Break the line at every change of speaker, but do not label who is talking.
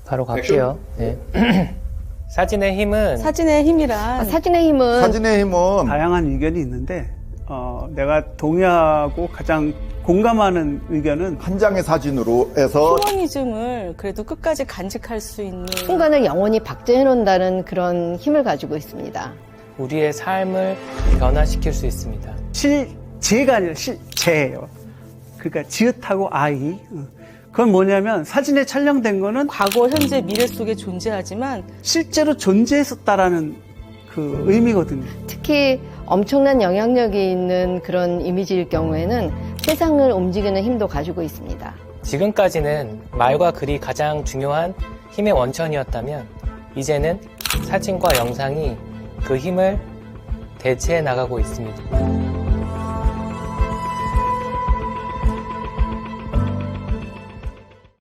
바로 갈게요. 네. 사진의 힘은
사진의 힘이란
사진의 힘은
다양한 의견이 있는데 내가 동의하고 가장 공감하는 의견은
한 장의 사진으로 해서
휴머니즘을 그래도 끝까지 간직할 수 있는
순간을 영원히 박제해 놓는다는 그런 힘을 가지고 있습니다.
우리의 삶을 변화시킬 수 있습니다.
실제가 아니라 실제예요. 그러니까 지읒하고 아이. 그건 뭐냐면 사진에 촬영된 거는
과거, 현재, 미래 속에 존재하지만
실제로 존재했었다라는 그 의미거든요.
특히 엄청난 영향력이 있는 그런 이미지일 경우에는 세상을 움직이는 힘도 가지고 있습니다.
지금까지는 말과 글이 가장 중요한 힘의 원천이었다면 이제는 사진과 영상이 그 힘을 대체해 나가고 있습니다.